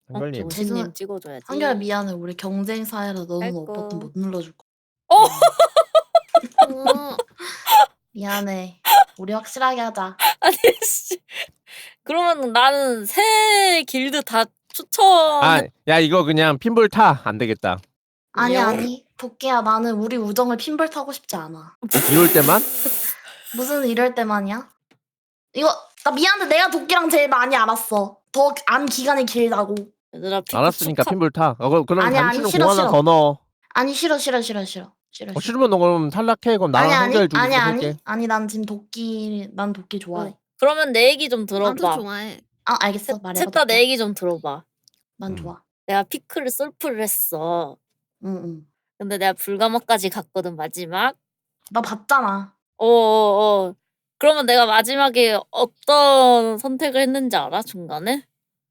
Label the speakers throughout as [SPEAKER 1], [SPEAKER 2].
[SPEAKER 1] 한결님.
[SPEAKER 2] 정신님 찍어줘야지.
[SPEAKER 3] 한결 미안해. 우리 경쟁 사회라 너는
[SPEAKER 2] 아이고.
[SPEAKER 3] 버튼 못 눌러줄 거.
[SPEAKER 2] 어!
[SPEAKER 3] 미안해. 우리 확실하게 하자.
[SPEAKER 2] 아니 씨. 그러면 나는 새 길드 다 추천.
[SPEAKER 1] 아, 야 이거 그냥 핀볼 타. 안 되겠다.
[SPEAKER 3] 아니
[SPEAKER 2] 왜요?
[SPEAKER 3] 아니. 도끼야 나는 우리 우정을 핀벌 타고 싶지 않아.
[SPEAKER 1] 이럴 때만?
[SPEAKER 3] 무슨 이럴 때만이야? 이거 나 미안해. 내가 도끼랑 제일 많이 알았어. 더 안 기간이 길다고.
[SPEAKER 2] 얘들아 피크
[SPEAKER 1] 알았으니까
[SPEAKER 2] 축하.
[SPEAKER 1] 핀볼 타. 그럼
[SPEAKER 3] 아니, 아니,
[SPEAKER 1] 단추는
[SPEAKER 3] 싫어,
[SPEAKER 1] 공 하나
[SPEAKER 3] 싫어.
[SPEAKER 1] 더 넣어.
[SPEAKER 3] 아니 싫어. 싫어.
[SPEAKER 1] 싫으면 너 그럼 탈락해. 그럼 나랑 한결 둘이 해볼게.
[SPEAKER 3] 아니 난 지금 난 도끼 좋아해.
[SPEAKER 2] 그러면 내 얘기 좀
[SPEAKER 4] 나도
[SPEAKER 2] 들어봐.
[SPEAKER 4] 좋아해.
[SPEAKER 3] 아 알겠어. 말해봐.
[SPEAKER 2] 셋 다 내 얘기 좀 들어봐.
[SPEAKER 3] 난 좋아.
[SPEAKER 2] 내가 피크를 솔프를 했어.
[SPEAKER 3] 응.
[SPEAKER 2] 근데 내가 불가마까지 갔거든 마지막.
[SPEAKER 3] 나 봤잖아.
[SPEAKER 2] 그러면 내가 마지막에 어떤 선택을 했는지 알아? 중간에?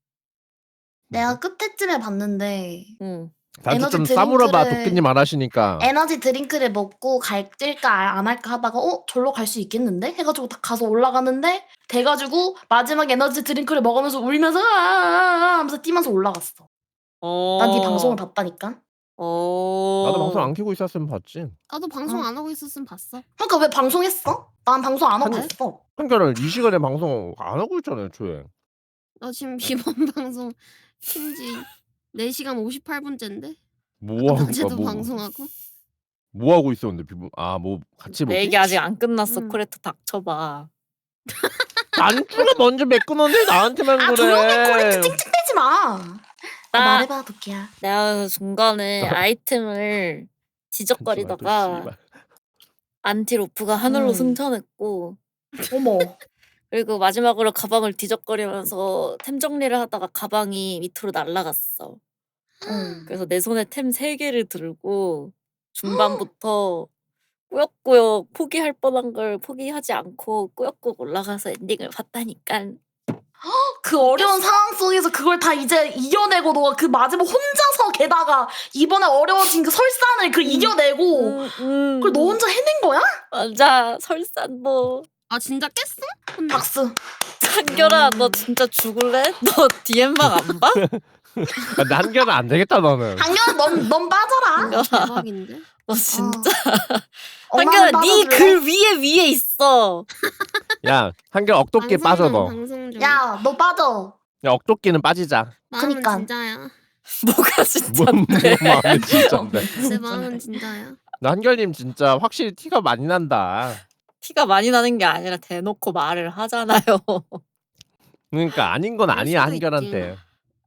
[SPEAKER 3] 내가 끝에쯤에 봤는데
[SPEAKER 2] 응.
[SPEAKER 1] 단추
[SPEAKER 3] 에너지
[SPEAKER 1] 좀 싸물어봐.
[SPEAKER 3] 드링크를-
[SPEAKER 1] 도끼님 안 하시니까.
[SPEAKER 3] 에너지 드링크를 먹고 갈까 안 할까 하다가 절로 갈 수 있겠는데? 해가지고 딱 가서 올라가는데 돼가지고 마지막 에너지 드링크를 먹으면서 울면서 하면서 뛰면서 올라갔어. 난 네 방송을 봤다니까.
[SPEAKER 1] 나도 방송 안 켜고 있었으면 봤지.
[SPEAKER 4] 나도 방송 안 하고 있었으면 봤어.
[SPEAKER 3] 그러니까 왜 방송했어? 난 방송 안 하고
[SPEAKER 1] 아니.
[SPEAKER 3] 있어.
[SPEAKER 1] 한결은 이 시간에 방송 안 하고 있잖아요, 애초에.
[SPEAKER 4] 나 지금 이번 방송 킨지 4시간 58분째인데?
[SPEAKER 1] 뭐 하고
[SPEAKER 4] 어제도
[SPEAKER 1] 뭐,
[SPEAKER 4] 방송하고?
[SPEAKER 1] 뭐 하고 있었는데 뭐 같이
[SPEAKER 2] 내
[SPEAKER 1] 뭐지?
[SPEAKER 2] 얘기 아직 안 끝났어.
[SPEAKER 4] 응.
[SPEAKER 2] 코레트 닥쳐봐.
[SPEAKER 1] 단추가 먼저 메꾸는데 나한테만 그래.
[SPEAKER 3] 조용히 코레트 찡찡대지 마.
[SPEAKER 2] 나-
[SPEAKER 3] 말해봐 도끼야.
[SPEAKER 2] 내가 중간에 아이템을 뒤적거리다가 안티로프가 하늘로 승천했고
[SPEAKER 3] 어머.
[SPEAKER 2] 그리고 마지막으로 가방을 뒤적거리면서 템 정리를 하다가 가방이 밑으로 날아갔어. 그래서 내 손에 템 3개를 들고 중반부터 꾸역꾸역 포기할 뻔한 걸 포기하지 않고 꾸역꾸역 올라가서 엔딩을 봤다니까.
[SPEAKER 3] 그 어려운 상황 속에서 그걸 다 이제 이겨내고 너가 그 마지막 혼자서 게다가 이번에 어려워진 그 설산을 그 이겨내고 그걸 너 혼자 해낸 거야?
[SPEAKER 2] 맞아. 설산도.
[SPEAKER 4] 아 진짜 깼어? 근데
[SPEAKER 3] 박수.
[SPEAKER 2] 한결아 너 진짜 죽을래? 너 DM방 안 봐?
[SPEAKER 1] 나 한결은 안 되겠다 너는.
[SPEAKER 3] 한결아 넌 빠져라.
[SPEAKER 2] 한결아
[SPEAKER 4] 대박인데?
[SPEAKER 2] 너 진짜
[SPEAKER 3] 엄마는
[SPEAKER 2] 한결아 네
[SPEAKER 3] 빠져줄래?
[SPEAKER 2] 글 위에 있어.
[SPEAKER 1] 야 한결 억도끼
[SPEAKER 4] 방송
[SPEAKER 1] 빠져
[SPEAKER 4] 중,
[SPEAKER 1] 너.
[SPEAKER 4] 방송 중.
[SPEAKER 3] 야 너 빠져.
[SPEAKER 1] 야 억도끼는 빠지자.
[SPEAKER 4] 마음은
[SPEAKER 3] 그니까.
[SPEAKER 4] 진짜야.
[SPEAKER 2] 뭐가 진짜인데?
[SPEAKER 1] 뭐 마음이 진짜인데.
[SPEAKER 4] 내 마음은 진짜야.
[SPEAKER 1] 나 한결님 진짜 확실히 티가 많이 난다.
[SPEAKER 2] 티가 많이 나는 게 아니라 대놓고 말을 하잖아요.
[SPEAKER 1] 그러니까 아닌 건
[SPEAKER 4] 그럴
[SPEAKER 1] 아니야
[SPEAKER 4] 수도
[SPEAKER 1] 한결한테.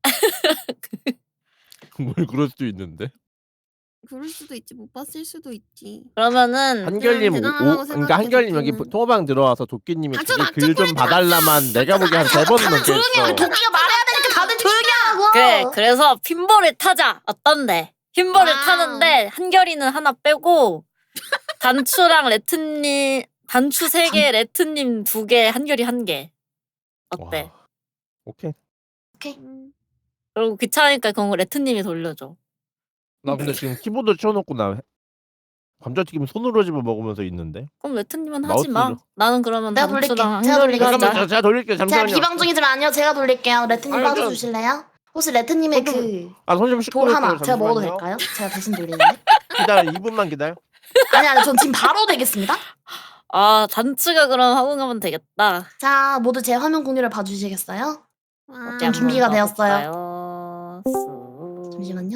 [SPEAKER 1] 뭘 그럴 수도 있는데.
[SPEAKER 4] 그럴 수도 있지. 못 봤을 수도 있지.
[SPEAKER 2] 그러면은
[SPEAKER 1] 한결님
[SPEAKER 4] 대단하다고
[SPEAKER 1] 그러니까
[SPEAKER 4] 생각해,
[SPEAKER 1] 한결님 여기
[SPEAKER 4] 도끼는.
[SPEAKER 1] 통화방 들어와서 도끼님이
[SPEAKER 4] 닥쳐,
[SPEAKER 1] 글 좀 봐달라만 내가 보기 한 3번은
[SPEAKER 3] 다들 조용히 해.
[SPEAKER 1] 넘겠어.
[SPEAKER 3] 도끼가 말해야 되니까 다들 조용히 하고.
[SPEAKER 2] 그래 그래서 핀볼을 타자. 어떤데? 핀볼을
[SPEAKER 4] 와우.
[SPEAKER 2] 타는데 한결이는 하나 빼고 단추랑 레트님 단추 3개 레트님 2개 한결이 1개. 어때?
[SPEAKER 1] 와, 오케이.
[SPEAKER 2] 그리고 귀찮으니까 그건 레트님이 돌려줘.
[SPEAKER 1] 나 근데 지금 키보드 치워놓고 나 감자튀김 손으로 집어 먹으면서 있는데.
[SPEAKER 2] 그럼 레트님은 하지 마.
[SPEAKER 1] 마우스로.
[SPEAKER 2] 나는 그러면
[SPEAKER 3] 내가 돌릴게.
[SPEAKER 2] 단추랑
[SPEAKER 3] 제가
[SPEAKER 2] 한결이가
[SPEAKER 3] 돌릴게.
[SPEAKER 2] 하자.
[SPEAKER 1] 제가 돌릴게요.
[SPEAKER 3] 제가
[SPEAKER 1] 잠시만요.
[SPEAKER 3] 비방 중이지만 아니요 제가 돌릴게요. 레트님
[SPEAKER 1] 아니,
[SPEAKER 3] 빠져주실래요? 혹시 레트님의 그
[SPEAKER 1] 손좀 씻고
[SPEAKER 3] 돌 하나
[SPEAKER 1] 올게요,
[SPEAKER 3] 제가 먹어도
[SPEAKER 1] 잠시만요.
[SPEAKER 3] 될까요? 제가 대신 돌리는데.
[SPEAKER 1] 기다려 2분만 기다려.
[SPEAKER 3] 아니 전 지금 바로 되겠습니다.
[SPEAKER 2] 아 단추가 그럼 하고 가면 되겠다.
[SPEAKER 3] 자 모두 제 화면 공유를 봐주시겠어요?
[SPEAKER 4] 와.
[SPEAKER 3] 좀 준비가 되었어요.
[SPEAKER 2] 되었어요.
[SPEAKER 3] 잠시만요.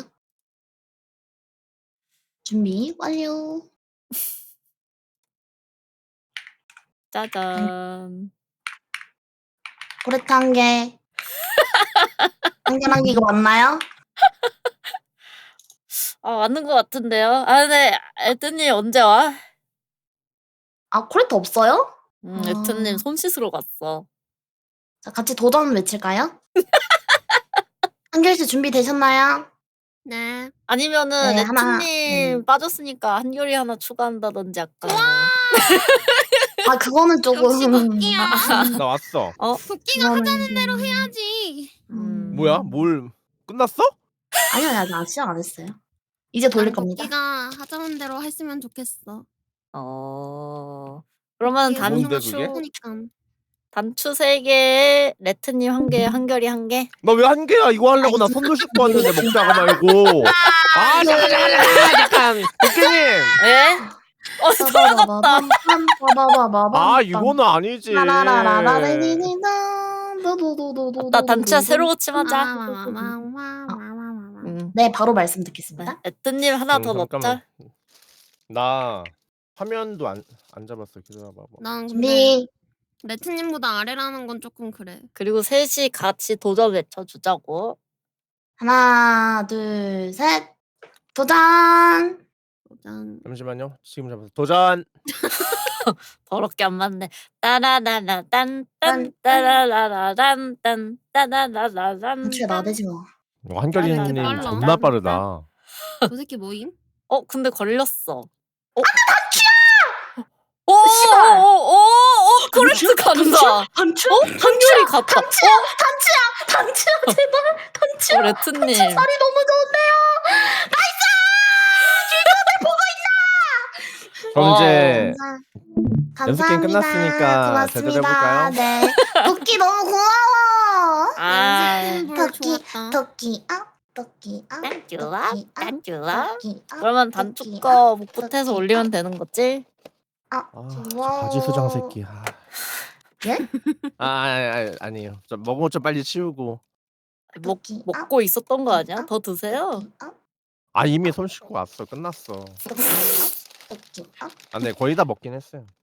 [SPEAKER 3] 준비 완료.
[SPEAKER 2] 짜잔.
[SPEAKER 3] 고레트 한 개. 한 개 이거 맞나요?
[SPEAKER 2] 아 맞는 것 같은데요. 아 근데 에트님 언제 와?
[SPEAKER 3] 아 고레트 없어요?
[SPEAKER 2] 에트님 손 씻으러 갔어.
[SPEAKER 3] 자 같이 도전 외칠까요? 한결 씨 준비 되셨나요?
[SPEAKER 4] 네.
[SPEAKER 2] 아니면은
[SPEAKER 3] 네, 하나,
[SPEAKER 2] 레트님 빠졌으니까 한결이 하나 추가한다든지 약간.
[SPEAKER 3] 아 그거는 조금.
[SPEAKER 4] 역시 도끼야.
[SPEAKER 1] 나 왔어.
[SPEAKER 4] 도끼가 하자는 대로 해야지.
[SPEAKER 1] 뭐야? 뭘 끝났어?
[SPEAKER 3] 아니요 아직 시작 안 했어요. 이제 돌릴
[SPEAKER 4] 난
[SPEAKER 3] 겁니다.
[SPEAKER 4] 도끼가 하자는 대로 했으면 좋겠어.
[SPEAKER 2] 그러면
[SPEAKER 1] 뭔데, 그게?
[SPEAKER 4] 그러니까.
[SPEAKER 2] 단추 3개, 레트님 1개, 한결이 1개.
[SPEAKER 1] 나 왜 한 개야? 이거 하려고 나 손도 씻고 왔는데 먹다가 말고. 아 잠깐. 도끼님.
[SPEAKER 2] 예? 돌아갔다.
[SPEAKER 1] 아 이거는 아니지.
[SPEAKER 2] 나 단추야 새로 고침하자.
[SPEAKER 3] 네, 바로 말씀 듣겠습니다.
[SPEAKER 2] 레트님 하나 더 넣자.
[SPEAKER 1] 잠깐만. 나 화면도 안 잡았어. 기다려봐.
[SPEAKER 4] 난 근데
[SPEAKER 3] 준비.
[SPEAKER 4] 레트님보다 아래라는 건 조금 그래.
[SPEAKER 2] 그리고 셋이 같이 도전 외쳐주자고.
[SPEAKER 3] 하나, 둘, 셋. 도전.
[SPEAKER 4] 짠.
[SPEAKER 1] 잠시만요. 지금 잡았어. 도전.
[SPEAKER 2] 더럽게 안 맞네. 따라라라 딴딴 따라라라 딴 따라라라
[SPEAKER 3] 단추야 나대지 마.
[SPEAKER 1] 한결이님
[SPEAKER 4] 빨라.
[SPEAKER 1] 겁나 빠르다.
[SPEAKER 4] 저 새끼 뭐임?
[SPEAKER 2] 근데 걸렸어.
[SPEAKER 3] 씨발.
[SPEAKER 2] 코레트 간다.
[SPEAKER 3] 단추?
[SPEAKER 2] 한결이 갔다.
[SPEAKER 3] 단추야 제발. 단추야.
[SPEAKER 2] 레트님.
[SPEAKER 3] 살이 너무 좋은데요.
[SPEAKER 1] 그럼 이제
[SPEAKER 3] 감사합니다.
[SPEAKER 1] 연습 게임 끝났으니까
[SPEAKER 3] 고맙습니다.
[SPEAKER 1] 제대로 해볼까요?
[SPEAKER 3] 네. 도끼 너무 고마워.
[SPEAKER 4] 연습
[SPEAKER 3] 토끼,
[SPEAKER 4] 좋았다.
[SPEAKER 3] 토끼, 토끼,
[SPEAKER 2] 딴 좋아? 딴 좋아?
[SPEAKER 3] 토끼,
[SPEAKER 2] 그러면 단축 거 복붙해서 올리면 되는 거지?
[SPEAKER 1] 아,
[SPEAKER 3] 고마워.
[SPEAKER 1] 바지 수장 새끼.
[SPEAKER 3] 예?
[SPEAKER 1] 아니에요. 좀 먹은 것 좀 빨리 치우고.
[SPEAKER 2] 먹고 있었던 거 아니야? 더 드세요.
[SPEAKER 1] 아 이미 손 씻고 왔어. 끝났어.
[SPEAKER 3] 토끼,
[SPEAKER 1] 아, 네 거의 다 먹긴 했어요.